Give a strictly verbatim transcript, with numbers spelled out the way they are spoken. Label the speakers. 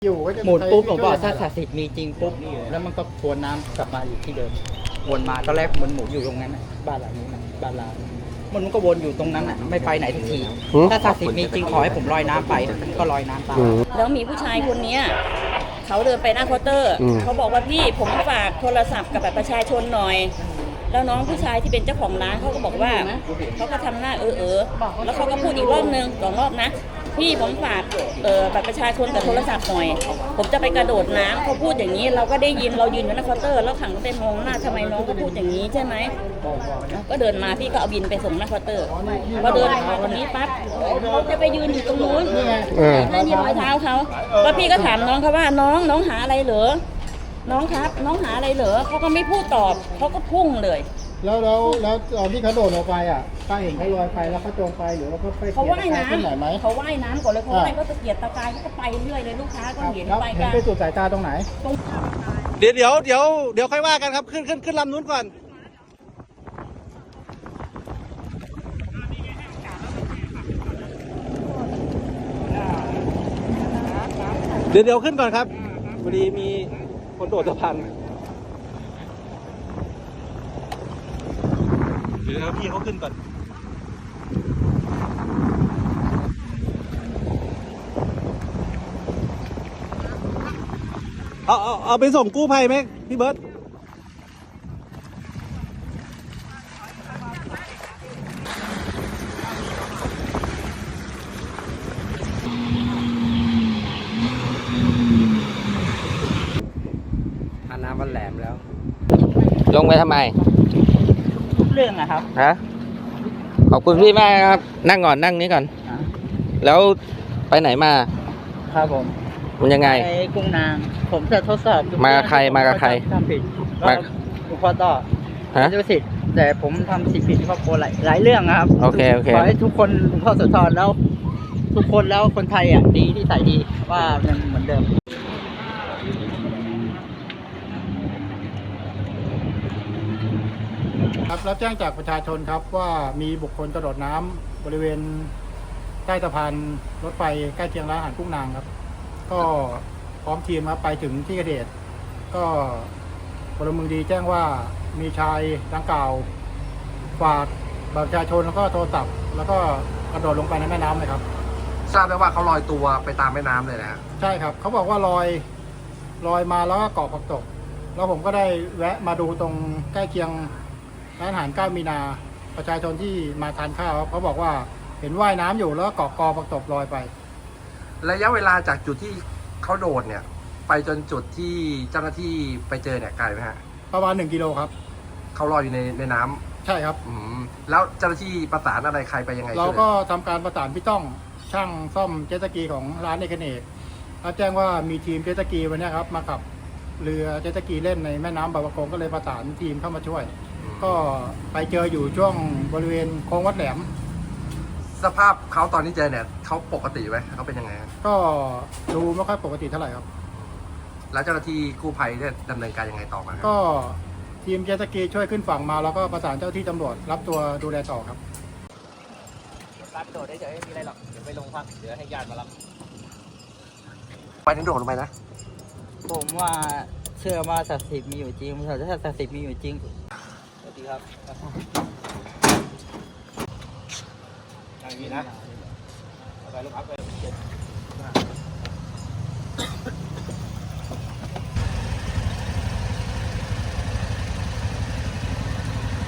Speaker 1: อยู่ก็จะ
Speaker 2: หมุนปุ๊บผมบอกถ้าศักดิ์สิทธิ์มีจริงปุ๊บแล้วมันก็ทวนน้ำกลับมาอยู่ที่เดิมวนมาตอนแรกมันหมุนอยู่ตรงนั้นบ้านหลังนี้นะบ้านเรามันก็วนอยู่ตรงนั้นอ่ะไม่ไปไหนทันทีถ้าศักดิ์สิทธิ์มีจริงขอให้ผมลอยน้ำไปก็ลอยน้ำตาม
Speaker 3: แล้วมีผู้ชายคนนี้เขาเดินไปหน้าเคาน์เตอร์เขาบอกว่าพี่ผมฝากโทรศัพท์กับบัตรประชาชนหน่อยแล้วน้องผู้ชายที่เป็นเจ้าของร้านเขาก็บอกว่าเขาก็ทำหน้าเออเออแล้วเขาก็พูดอีกรอบนึงสองรอบนะพี่ผมฝากเอ่อบัตรประชาชนกับโทรศัพท์หน่อยผมจะไปกระโดดน้ำเขาพูดอย่างนี้เราก็ได้ยินเรายืนอยู่หน้าเคาน์เตอร์แล้วขังก็ไปมองหน้าทำไมน้องก็พูดอย่างนี้ใช่ไหมก็เดินมาพี่ก็เอาบินไปส่งหน้าเคาน์เตอร์พอเดินมาตรงนี้ปั๊บเขาจะไปยืนอยู่ตรงนู้นนั่นนี่รอยเท้าเขาแล้วพี่ก็ถามน้องเขาว่าน้องน้องหาอะไรเหรอน้องครับน้องหาอะไรเหรอเขาก็ไม่พูดตอบเขาก็พุ่งเลย
Speaker 1: แล้วแล้วแล้วตอนที่เขาโดดลงไปอ่ะป้าเห็นเขาลอยไปแล้วเขาจมไปหรือว่าเขาไป
Speaker 3: เขาว่ายน้ำ
Speaker 1: ขึ้นไหนไหม
Speaker 3: เขาว่ายน้ำก่อนเลยเขาว่ายก็ตะเกียกตะกายเขาก็ไปเรื่อยเลยลูกค้าก็เห็นไปกัน
Speaker 1: ไปสุดสายตาตรงไหน
Speaker 4: เดี๋ยวเดี๋ยวเดี๋ยวเดี๋ยวค่อยว่ากันครับขึ้นขึ้นขึ้นลำนู้นก่อนเดี๋ยวเดี๋ยวขึ้นก่อนครับพอดีมีคนโดดสะพานเดี๋ยวพี่เขาขึ้นก่อนเอาเอาเอาไปส่งกู้ภัยไหมพี่เบิร์ต
Speaker 2: ทาน้ำมันแหลมแล้ว
Speaker 5: ลงไปทำไม
Speaker 2: ทุกเรื่องนะครับ
Speaker 5: ฮะขอบคุณพี่มากครับนั่งก่อนนั่งนี้ก่อนแล้วไปไหนมา
Speaker 2: ครับผม
Speaker 5: มันยังไง
Speaker 2: ไปกุ้งนางผมจะทดสอบ
Speaker 5: มาใครมากับใคร
Speaker 2: ทำผิดมาคุณพ่อต่อฮะดูสิแต่ผมทำสิ่งผิดที่ครอบครัวหลายหลายเรื่องนะครับ
Speaker 5: โอเคโอเค
Speaker 2: ขอให้ทุกคนหลวงพ่อโสธรแล้วทุกคนแล้วคนไทยอ่ะดีที่ใส่ดีว่ายังเหมือนเดิม
Speaker 1: ครับรับแจ้งจากประชาชนครับว่ามีบุคคลกระโดดน้ำบริเวณใต้สะพานรถไฟใกล้เคียงร้านอาหารกุ้งนางครับก็พร้อมทีมครับไปถึงที่เกิดเหตุก็พลเมืองดีแจ้งว่ามีชายดังกล่าวฝากบัตรประชาชนแล้วก็โทรศัพท์แล้วก็กระโดดลงไปในแม่น้ำเลยครับ
Speaker 4: ทราบได้ว่าเขาลอยตัวไปตามแม่น้ำเลยนะ
Speaker 1: ใช่ครับเขาบอกว่าลอยลอยมาแล้วก็เกาะผักตบแล้วผมก็ได้แวะมาดูตรงใกล้เคียงร้านอาหารเก้ามีนาประชาชนที่มาทานข้าวเขาบอกว่าเห็นว่ายน้ำอยู่แล้วก็เกาะกอผักตบลอยไประ
Speaker 4: ยะเวลาจากจุดที่เขาโดดเนี่ยไปจนจุดที่เจ้าหน้าที่ไปเจอเนี่ยไกลไหมฮะ
Speaker 1: ประมาณหนึ่งกิโลครับ
Speaker 4: เขาลอยอยู่ในในน้
Speaker 1: ำใช่ครับ
Speaker 4: อืมแล้วเจ้าหน้าที่ประสานอะไรใครไปยังไง
Speaker 1: เราก็ทำการประสานพี่ต้องช่างซ่อมเจ็ตสกีของร้านเอกเนกรับแจ้งว่ามีทีมเจ็ตสกีวันนี้ครับมาขับเรือเจ็ตสกีเล่นในแม่น้ำบางประกงก็เลยประสานทีมเข้ามาช่วยก็ไปเจออยู่ช่วงบริเวณโค้งวัดแหลม
Speaker 4: สภาพเขาตอนที่เจอเนี่ยเขาปกติไหมเขาเป็นยังไง
Speaker 1: ก็ดูไม่ค่อยปกติเท่าไหร่ครับ
Speaker 4: แล้วเจ้าหน้าที่กู้ภัยได้ดำเนินการยังไงต่อมา
Speaker 1: ก็ทีมเจ็ตสกีช่วยขึ้นฝั่งมาแล้วก็ประสานเจ้าที่ตำรวจรับตัวดูแลต่อครับ
Speaker 2: รับโดดได้เฉยไม่มีอะไรหรอกเดี๋ยวไปลงพักเดี๋ยวให้ญาติมารับ
Speaker 4: ไปถึงโดดลงไปนะ
Speaker 2: ผมว่าเชื่อว่าศักดิ์สิทธิ์มีอยู่จริงถ้าศักดิ์สิทธิ์มีอยู่จริงสวัสดีครับอย่างนี้นะไปลูกอัพไป